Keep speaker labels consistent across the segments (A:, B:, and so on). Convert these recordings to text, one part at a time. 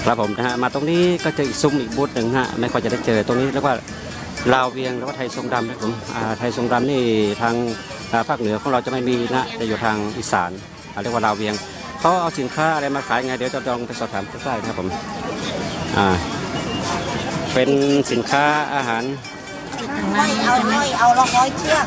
A: ครับผมนะฮะมาตรงนี้ก็เจออีกซุ้มอีกบูธหนึ่งฮะไม่ค่อยจะได้เจอตรงนี้เรียกว่าลาวเวียงหรือว่าไทยทรงดำนะครับผมไทยทรงดำนี่ทางภาคเหนือของเราจะไม่มีนะจะอยู่ทางอีสานเรียกว่าลาวเวียงเขาเอาสินค้าอะไรมาขายไงเดี๋ยวจะลองไปสอบถามใกล้ๆนะครับผมเป็นสินค้าอาหาร
B: เอา100 เชือก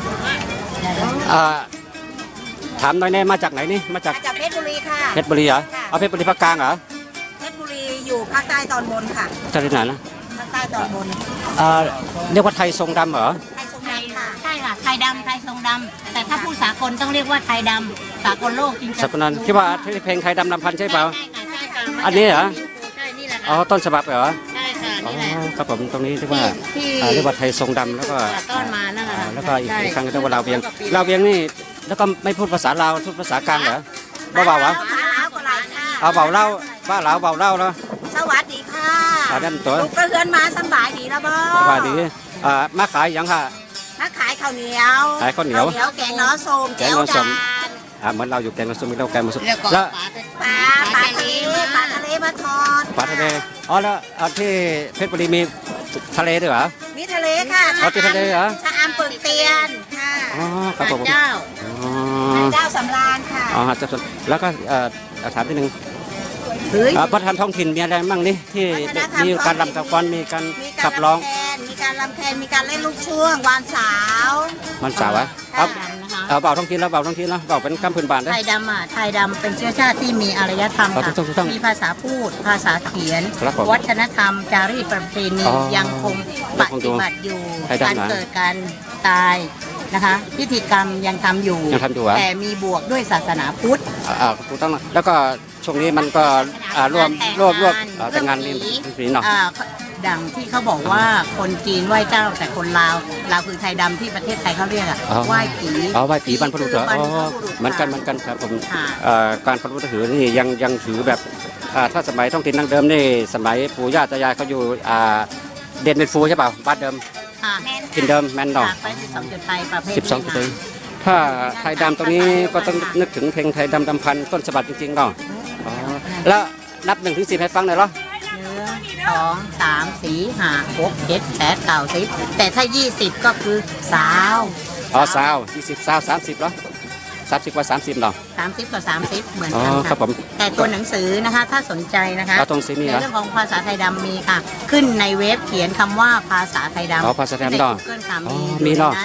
A: ถามหน่อยแน่มาจากไหนนี่มาจาก
B: เพชรบุรีค่ะ
A: เพชรบุรีเหรอเอาเพชรบุรีภาคกลางเหรอ
B: เพชรบุรีอยู่ภาคใต้ตอนบนค่ะ
A: จะที่ไหนนะ
B: ภาคใต้ตอนบน
A: เรียกว่าไทยทรงดำเหรอ
B: ไทยทรงดำค่ะ
C: ใช่ค่ะไทยดำไทยทรงดำแต่ถ้าผู้สากลต้องเรียกว่าไทยดำสากลโลกจริงๆ
A: สากลนั้นคิดว่าเพลงไทยดำลำพันใช่เปล่า
C: ใช่ค่ะ
A: อันนี้เหรอ
C: ใช่นี่แหละ
A: อ๋อต้นฉบับเหรอ
C: ใช่ค่ะนี่แหละ
A: ครับผมตรงนี้เรียกว่าไทยทรงดำแล้วก็
C: ต้นมานั่นแหละ
A: แล้วก็อีกครั้งเรียกว่าลาวเวียงนี่แล้วก็ไม่พูดภาษาลาวพูดภาษากลางเหรอเบาๆวะเอาเบาเล่าบ้าลาวเบาเล่าเนาะ
B: สวัสดีค่ะ
A: นั่นตัว
B: ลูกกระเฮือนมาสบายดีแล้วบ่
A: สบายดีมาขายยังค่ะ
B: มาขายข้าวเหนียวแกงน้อส้ม
A: แกงน้อส้มเหมือนเราอยู่แกงน้อส้มมีเราแกงน้อส้ม
B: แล้วปลาทะเลมาทอด
A: ปลาทะเลอ๋อแล้วที่เพชรบุรีมีทะเลด้วยเหรอ
B: มีทะเลค่ะ
A: ที่ทะเลเหรอ
B: ชะอำปึกเตียนค่ะ
A: อ๋อครับผม
C: เจ้า
B: สำราญค่ะ
A: อ๋อจะแล้วก็ถามนิดนึงวัฒนธรรมท้องถิ่นมีอะไรบ้างนี่ที่มีการรำกับฟ้อนมีการขับร้อง
B: มีการรำแคนมีการเล่นลูกช่วงวานสาว
A: วะเอาเบาท้องถิ่นแล้วเบาท้องถิ่นแล้วเบาเป็นกำพื้นบ้านได้
C: ไทยดำไทยดำเป็นเชื้อชาติที่มีอารยธรรมค่ะมีภาษาพูดภาษาเขียนวัฒนธรรมจารีตประเพณียังคงปฏิบัติอยู่การเกิดการตายนะคะพิธีกรรมยังทำอยู่แต่มีบวกด้วยศาสนาพุทธ
A: ถูกต้องแล้วก็ช่วงนี้มันก็รวมแต่งงานนี่เนาะ
C: ดังที่เขาบอกว่าคนจีนไหว้เจ้าแต่คนลาวคือไทยดำที่ประเทศไทยเขาเรียกไหว้ผี
A: ไหว้ผีบรรพบุรุษเหรอเหมือนกันครับผมการบรรพบุรุษถือนี่ยังถือแบบถ้าสมัยท้องถิ่นดั้งเดิมนี่สมัยปู่ย่าตายายเขาอยู่เด่นเป็นฟูใช่เปล่าบ้านเดิมกินเดิมแมนดอก
C: 12 จุดไทยประเภท
A: 12 จุดถ้าไทยดำตรงนี้ก็ต้องนึกถึงเพลงไทยดำพันต้นฉบับจริงๆเนาะแล้วนับ1 ถึง 10ให้ฟังหน่อยเหรอ
C: 2 3 4 5 6 7 8 9 10แต่ถ้า20ก็คือสาว
A: สาว20สาว30เหรอ30 กว่า 30เนาะ
C: 30 กับ 30เหมือนกันค่ะแต่ตัวหนังสือนะคะถ้าสนใจนะคะในเรื่องของภาษาไทยดำมีค่ะขึ้นในเว็บเขียนคำว่าภาษาไทยดำ
A: ภาษาไทยดำเนาะ
C: มีนั้น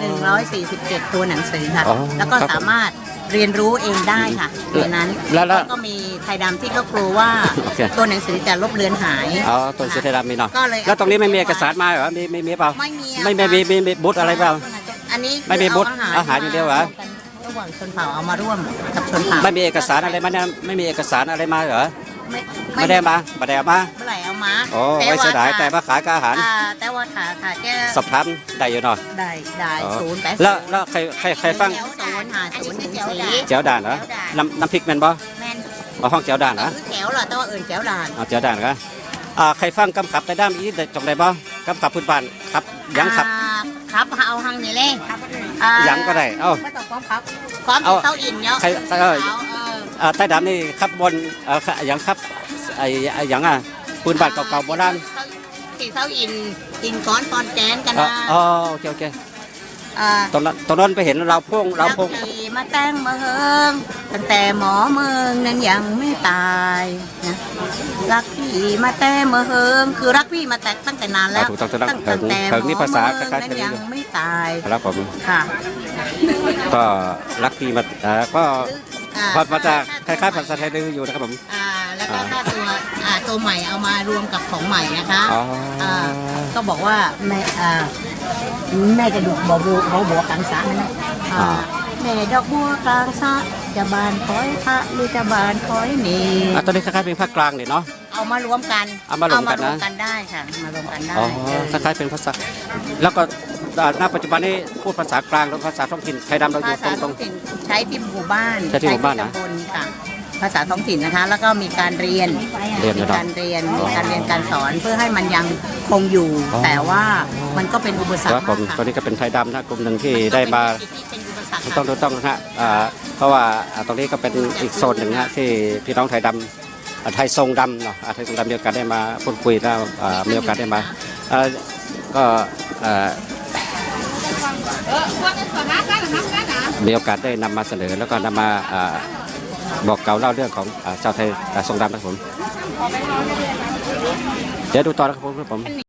C: 147ตัวหนังสือค่ะแล้วก็สามารถเรียนรู้เองได้ค่ะในนั้นแล้วก็มีไทยดำที่เขากลัวว่าตัวหนังสือจะลบเลือนหาย
A: ตัวหนังสือไทยดำมีเนาะแล้วตรงนี้ไม่มีเอกสารมาเหรอมีเปล่าไม่มีบูธอะไรเปล่า
C: อันนี้
A: ไม่มีบูธอาหารอย่างเดียวเหรอ
C: ระหว่างชนเผ่าเอามาร่วมกับชนเผ่า
A: ไม่มีเอกสารอะไรมาไม่มีเอกสารอะไรมาเหรอไม่ได้มาเมื่อไหร่
C: เอามา
A: โอ้ไว้เสียดายแต่มาขายกับอาหาร
C: แต่ว่าค่ะแก
A: สอบถามได้อยู่เนาะ
C: ได้0 8
A: แล้วใครฟังเจ้าด่านเหรอน้ำพริกแมนบ่ห้องเจ้าด่านเหรอ
C: แก้วเหรอแต่ว่าเจ้าด่าน
A: เจ้าด่านเหรอใครฟังกำขับไปด้ามอีจงได้บ่กำขับพื้นบ้านครับยังขับ
C: เอาหังนี่เลย
A: ยังก็ได้
C: ไม่ต้องความเต้าอินเนาะ
A: ใต้ดำนี่ครับบนยังครับยังปืนบาดเก่าๆโบราณ
C: ที่เต้าอินก้อนปอนแกนกันนะ
A: โอเคตรงนั้นไปเห็นเราพง
C: มาแต่งมาเฮิงตั้งแต่หมอเมืองนั้นยังไม่ตายนะรักพี่มาแต่มาเฮิงคือรักพี่มาแต่ตั้งแต่นานแล้ว
A: ตั้งแต่หมอเมือง
C: นั้นยังไม่ตาย
A: ครับผม
C: ค่ะ
A: ก็รักพี่มาก็พอมาจากคล้ายๆภาษาไทยดื้ออยู่นะครับผม
C: แล้วก็ถ้าตัวใหม่เอามารวมกับของใหม่นะคะก็บอกว่าแม่จะดูบัวกลางสระนะแม่ดอกบัวกลางสระจะบานคอยพระหรือจะบานคอยนี่
A: ตอนนี้คล้ายๆเป็นภาคกลางเนี่ยเนาะ
C: เอามารวมกันได้ค่ะมารวมกันได้
A: คล้ายๆเป็นภาษาแล้วก็ณปัจจุบันนี้พูดภาษากลางหรือภาษาท้องถิ่นไทยดำเราอยู่ตรง
C: ใช้ที่หมู่บ้าน
A: ใช้ที่หมู่บ้านนะ
C: ค่ะภาษาท้องถิ่นนะคะแล้วก็มีการเรียนการสอนเพื่อให้มันยังคงอยู่แต่ว่ามันก็เป็นอุปสรรคมาก
A: ค่ะตอนนี้ก็เป็นไทยดำนะกลุ่มหนึ่งที่ได้มาต้องนะฮะเพราะว่าตรงนี้ก็เป็นอีกโซนหนึ่งนะที่พี่น้องไทยดำไทยทรงดำเนาะไทยทรงดำมีโอกาสได้มาพูดคุยแล้วมีโอกาสได้มาก็มีโอกาสได้นำมาเสนอแล้วก็นำมาบอกเกล่าวเล่าเรื่องของชาวไทยทรงดำนะครับผมเดี๋ยวดูต่อนะครับผม